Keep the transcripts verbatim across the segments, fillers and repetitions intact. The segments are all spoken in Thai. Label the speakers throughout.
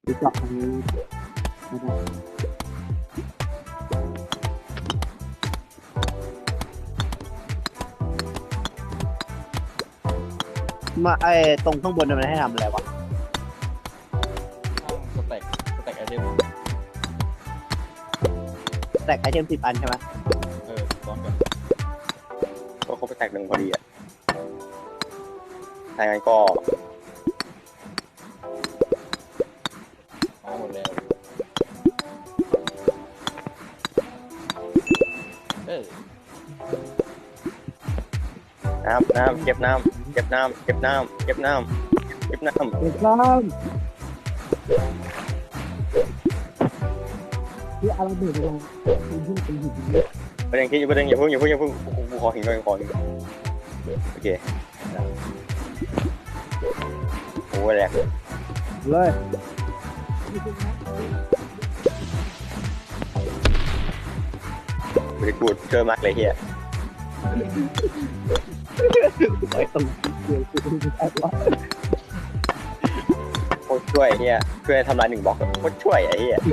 Speaker 1: หรือเจาะทางนี้ไม่ได้มาไอ้ตรงข้างบนมันให้ทำอะไรวะ
Speaker 2: สแต็กสแต็กไอเทม
Speaker 1: แตกไอเทมสิบอันใช่ไหม
Speaker 2: เออซ้อนกัน
Speaker 3: ก็เขาไปแตกหนึ่งพอดีอ่ะถ้างั้นก็
Speaker 2: มาหมดแล้วเออ
Speaker 3: น้ำน้ำเก็บน้ำเก็บน้ำเก็บน้ำเก็บน้ำเก็บน้ำ
Speaker 1: เด็กน้ำที่อะไรเบิดลงเป็นหินเป็นหิน
Speaker 3: ประเด็นคิดอยู่ประเด็นอย่าเพิ่งอย่าเพิ่งอย่าเพิ่งกูขอหินก่อนขอหินโอเคโอ้ยแหลก
Speaker 1: เลย
Speaker 3: บริกูดเจอมากเลยเฮีย
Speaker 1: ไอ้ตรงเดียวคือไม่ได้ว่า
Speaker 3: โคตรช่วยเฮียช่วยทำลายหนึ่งบล็อกโคตรช่วยไอ้เฮีย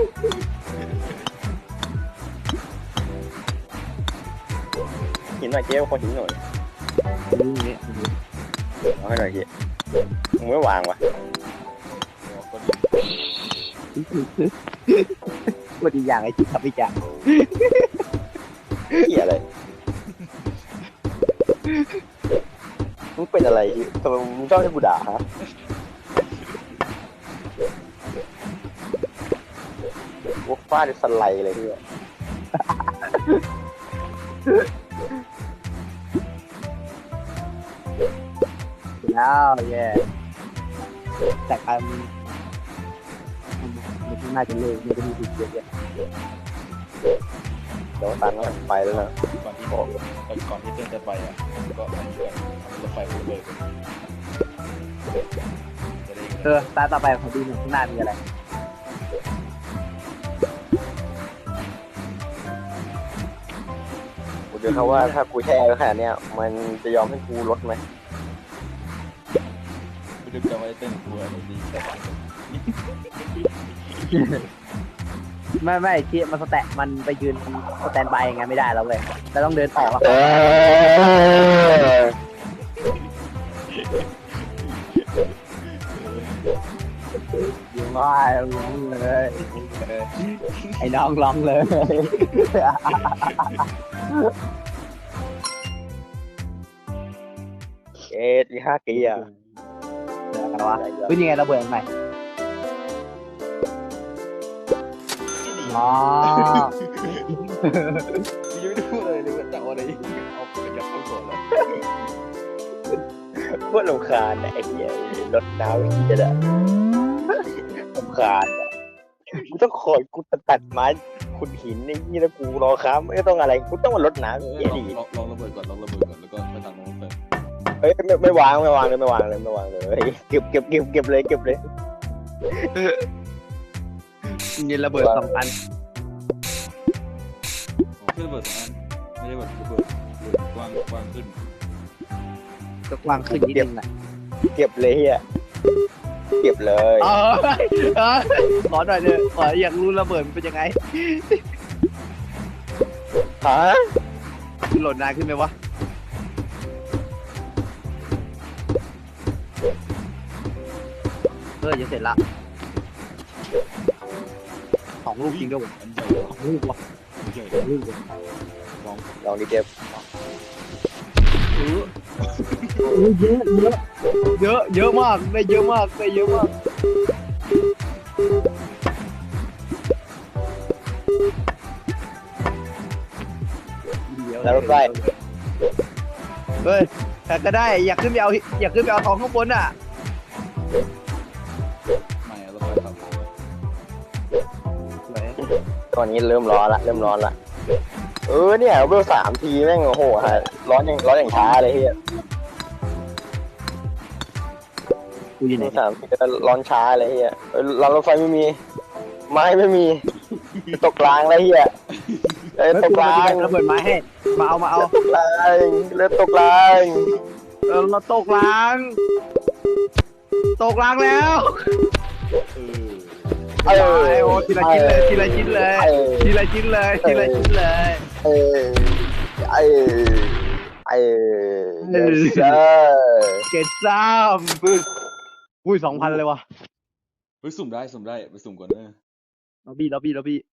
Speaker 3: หินหน่อยเจ๊ขอหินหน่อย
Speaker 1: นี่เนี่ย
Speaker 3: เอาให้หน่อยเฮียมึงไม่วางวะ
Speaker 2: ก็ดี
Speaker 1: วันดีอย่างไอ้ที่ทำอีกอย่าง
Speaker 3: เฮียอะไรมึงเป็นอะไรทำไมมึงชอบให้กูด่าฮะกูฟาดสไลด์เลยเฮีย
Speaker 1: แล้วแย่แต่การมันน่าจะเลิกมันจะมีจุดเยอะแยะ
Speaker 3: เดี๋ยวตันก็ไปแล้วนะ
Speaker 2: ก่อนที่บอกก่อนที่เพื่อนจะไปอ่ะก็อันนี้กันทำรถไฟฟูเลยจะได้
Speaker 1: เออตาต่อไปของดีหนึ่งข้างหน้ามีอะไร
Speaker 3: กูเจอเขาว่าถ้ากูแช่ขนาดเนี้ยมันจะยอมให้กูลดไหม
Speaker 2: ไม่รู้จะไว้เต้นกลัวอะไรดีแต่
Speaker 1: ไม่ไม่ที่มันสแตะมันไปยืนสแตนบายยังไงไม่ได้แล้วเลยแต่ต้องเดินออกแล้ว
Speaker 3: เออ
Speaker 1: ยิงว่าร้องเลยไอ้น้องร้องเลย
Speaker 3: เอ็ดยี่ห้ากีอ่ะ
Speaker 1: เดี๋ยวกันวะเป็นยังไงระเบิดใหม่อ๋อ
Speaker 2: ยังไม่ได้พูดเลยเลยว่าจะเอาอะไรเอาไปยัดเข้าก่อนแล้ว
Speaker 3: พวกลำคาญไอ้เหี้ยรถน้ำเหี้ยอะลำคาญกูต้องคอยกูตัดไม้ขุดหินในนี่แล้วกูรอค้าไม่ต้องอะไรกูต้องมารดน้ำเหี้ยดี
Speaker 2: ลองลองระเบิดก่อนลองระเบิดก่อนแล้วก็ไปทางโน้นเลย
Speaker 3: เฮ้ยไม่ไม่วางไม่วางเลยไม่วางเลยไม่วางเลยเก็บเก็บเก็บเก็บเลยเก็บเลย
Speaker 1: มีระเบิดสองพัน
Speaker 2: ขึ้นระเบิดสองอันไม่ได้แบบระเบิดกว้างกว้างขึ้น
Speaker 1: ก็วางขึ้นนิดนึงแหละ
Speaker 3: เก็บเลยเฮียเก็บเลย
Speaker 1: เออเออขอหน่อยเถอะขออยากรู้ระเบิดมันเป็นยังไง
Speaker 3: ฮะ
Speaker 1: คือโหลดนานขึ้นไหมวะเออจะเสร็จละสองลูกจริงด้วยวะ
Speaker 2: อันใหญ่
Speaker 1: สองลูกวะ
Speaker 2: อันใหญ่
Speaker 1: สองลูกวะ
Speaker 2: ลอง
Speaker 3: ลองดิเก็บ
Speaker 1: เออเยอะเยอะเยอะเยอะมากได้เยอะมากได้เยอะมาก
Speaker 3: แล้วรถไฟ
Speaker 1: เฮ้ยแต่ก็ได้อยากขึ้นไปเอาอยากขึ้นไปเอาทองข้างบนอ่ะ
Speaker 2: ไม่ระเบิดครับ
Speaker 3: ตอนนี้เริ่มร้อนละเริ่มร้อนละเออเนี่ยเวลสามทีแม่งโอ้โหฮะร้อนยังร้อนอย่างช้าเลยเฮีย
Speaker 1: กูอยู่ไห
Speaker 3: เวน ลสามทีร้อนช้าเลยเฮียเออรางรถไฟไม่มีไม้ไม่มีตกกลางเลยเฮียเอ้ยตกกลาง
Speaker 1: ระเบิดไม้ให้มาเอามาเอา
Speaker 3: ตกกลางเริ่มตกกลาง
Speaker 1: เออเราตกล้าง ตกล้างแล้ว
Speaker 2: เออ
Speaker 1: ทีละชิ้นเลยทีละชิ้นเลย
Speaker 3: เออ
Speaker 1: ทีละชิ้นเลยทีละชิ้นเลย
Speaker 3: เออเออเออ yes sir
Speaker 1: เกตซ้ำอุ้ยสองพันเลยว่ะ
Speaker 2: เฮ้ยสุ่มได้สุ่มได้ไปสุ่มก่อนเนอะ
Speaker 1: ล็อบบี้ล็อบบี้ล็อบบี้